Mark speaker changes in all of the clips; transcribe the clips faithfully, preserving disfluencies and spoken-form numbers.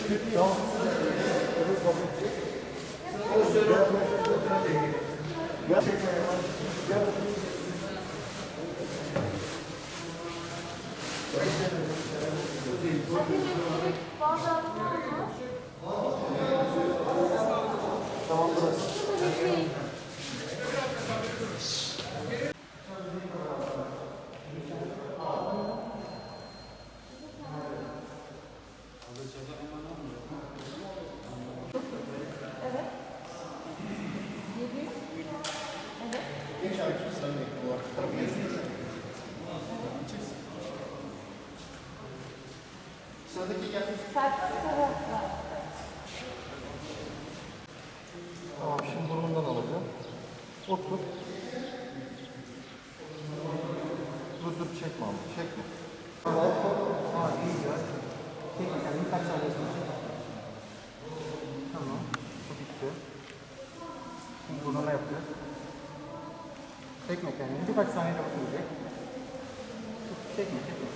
Speaker 1: Tamam burası. Tamam, şimdi burnundan alacağım. Otur. Dur dur, çekme ama, çekme. Aa, iyi güzel. Çekme kendini, kaç saniye sonra çek. Tamam, bu bitti. Şimdi burnuna yapacağız. Çekme kendini, birkaç saniyede bakılacak. Çekme, çekme.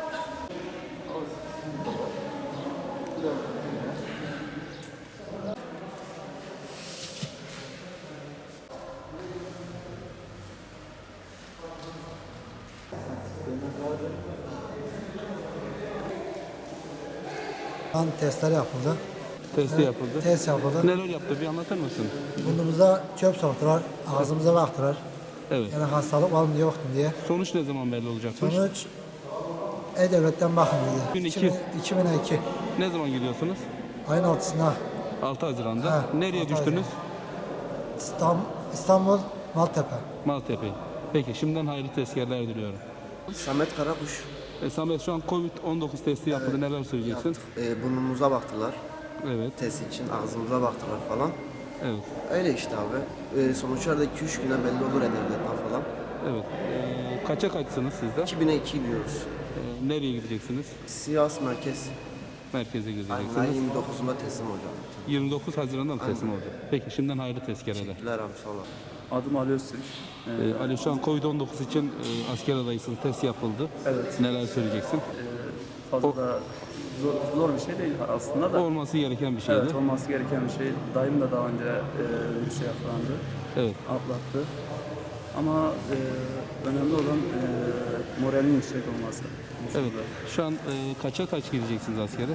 Speaker 2: Kan testleri yapıldı.
Speaker 3: Testi yapıldı.
Speaker 2: Test yapıldı.
Speaker 3: Neler yaptı bir anlatır mısın?
Speaker 2: Burnumuza çöp soktular, ağzımıza baktılar.
Speaker 3: Evet.
Speaker 2: Yani hastalık var mı yok mu diye.
Speaker 3: Sonuç ne zaman belli olacakmış?
Speaker 2: Sonuç E-Devlet'ten bakın dedi.
Speaker 3: bin iki.
Speaker 2: iki bin iki.
Speaker 3: Ne zaman gidiyorsunuz?
Speaker 2: Ayın altısında
Speaker 3: altı Haziran'da.
Speaker 2: Ha,
Speaker 3: Nereye
Speaker 2: altı
Speaker 3: düştünüz?
Speaker 2: İstanbul, İstanbul Maltepe.
Speaker 3: Maltepe. Peki şimdiden hayırlı tezkerler diliyorum.
Speaker 4: Samet Karakuş.
Speaker 3: E, Samet şu an Covid on dokuz testi yapıldı. Evet. Neler söyleyeceksin?
Speaker 4: E, burnumuza baktılar.
Speaker 3: Evet.
Speaker 4: Test için ağzımıza baktılar falan.
Speaker 3: Evet.
Speaker 4: Öyle işte abi. E, sonuçlar da iki üç güne belli olur E-Devlet'ten falan.
Speaker 3: Evet. E, kaça kaçsınız siz de?
Speaker 4: iki bine iki diyoruz.
Speaker 3: E, nereye gideceksiniz?
Speaker 4: Sivas merkez.
Speaker 3: Merkeze
Speaker 4: Aynen
Speaker 3: gideceksiniz.
Speaker 4: yirmi dokuzunda teslim olacağım.
Speaker 3: yirmi dokuz Haziran'da mı teslim olacak? Peki şimdiden hayırlı tezkereler.
Speaker 4: Teşekkürler abi, sağ olun.
Speaker 5: Adım Ali Öztürk. Ee,
Speaker 3: E, Ali şu an Covid on dokuz için e, asker adaysınız. Test yapıldı.
Speaker 5: Evet.
Speaker 3: Neler söyleyeceksin?
Speaker 5: e, fazla da zor, zor bir şey değil aslında da.
Speaker 3: Olması gereken bir şeydi.
Speaker 5: Evet, olması gereken bir şey. Dayım da daha önce e, virüse yakalandı,
Speaker 3: Evet.
Speaker 5: atlattı. Ama e, önemli olan e, moralin yüksek olması.
Speaker 3: Evet. Şu an e, kaça kaç gideceksiniz askere?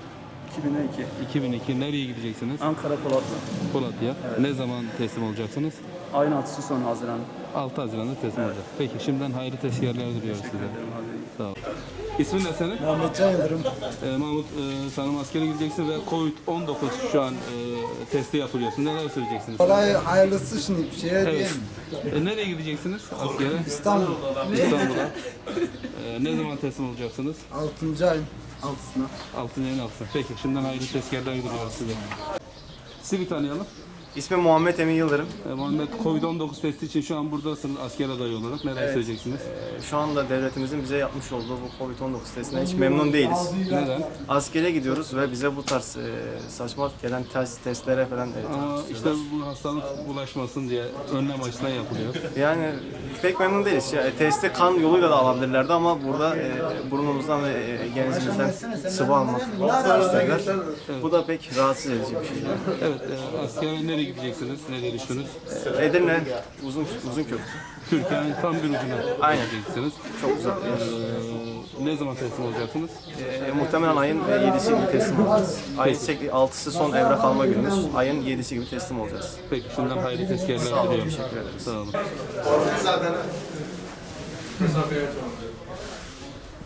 Speaker 5: iki bine iki.
Speaker 3: iki bin iki. Nereye gideceksiniz?
Speaker 5: Ankara Polatlı.
Speaker 3: Polatya.
Speaker 5: Evet.
Speaker 3: Ne zaman teslim olacaksınız?
Speaker 5: Ayın altısı son Haziran.
Speaker 3: altı Haziran'da teslim olacak. Peki şimdiden hayırlı tezkerler diliyoruz size.
Speaker 5: Ederim abi.
Speaker 3: Sağ olun. İsmin ne senin?
Speaker 2: Mehmetcan Yıldırım.
Speaker 3: Ee, Mahmut, e, sanırım askere gideceksin ve Covid on dokuz şu an e, testi yapılıyorsun. Neler söyleyeceksiniz?
Speaker 2: Olay hayırlısı şimdi bir şeye
Speaker 3: Evet.
Speaker 2: diyeyim.
Speaker 3: E, nereye gideceksiniz askere?
Speaker 2: İstanbul
Speaker 3: İstanbul'a. E, ne zaman teslim olacaksınız?
Speaker 2: altıncı ayın altısına.
Speaker 3: altıncı ayın altısında. Peki şimdiden hayırlı tezkerler diliyoruz size. Sizi bir tanıyalım.
Speaker 6: İsmim Muhammed Emin Yıldırım.
Speaker 3: E, Muhammed, Covid on dokuz testi için şu an buradasınız asker adayı olarak. Neler
Speaker 6: Evet.
Speaker 3: söyleyeceksiniz?
Speaker 6: Ee, Şu anda devletimizin bize yapmış olduğu bu Covid on dokuz testinden hiç memnun değiliz.
Speaker 3: Neden?
Speaker 6: Askere gidiyoruz ve bize bu tarz e, saçma gelen test, testlere falan e,
Speaker 3: Ama işte bu hastalık bulaşmasın diye önlem açısından yapılıyor.
Speaker 6: yani pek memnun değiliz. Ya, e, testi kan yoluyla da alabilirlerdi ama burada e, burnumuzdan ve e, genzimizden sıvı almak isterler. Bu da pek rahatsız edici bir şey.
Speaker 3: Evet, e, askere nereye gideceksiniz? Nereye düştünüz?
Speaker 6: Edirne, uzun uzun köprü.
Speaker 3: Türkiye'nin tam bir ucuna
Speaker 6: Aynen.
Speaker 3: gideceksiniz.
Speaker 6: Çok uzak bir yer.
Speaker 3: Ee, ne zaman teslim olacaksınız?
Speaker 6: E, muhtemelen ayın e, yedisi gibi teslim olacağız. Ayın altısı son evrak alma günümüz. Ayın yedisi gibi teslim olacağız.
Speaker 3: Peki şimdiden hayırlı tezkerler
Speaker 6: Sağ olun,
Speaker 3: diliyorum.
Speaker 6: teşekkür ederiz.
Speaker 3: Sağ olun.
Speaker 7: Zaten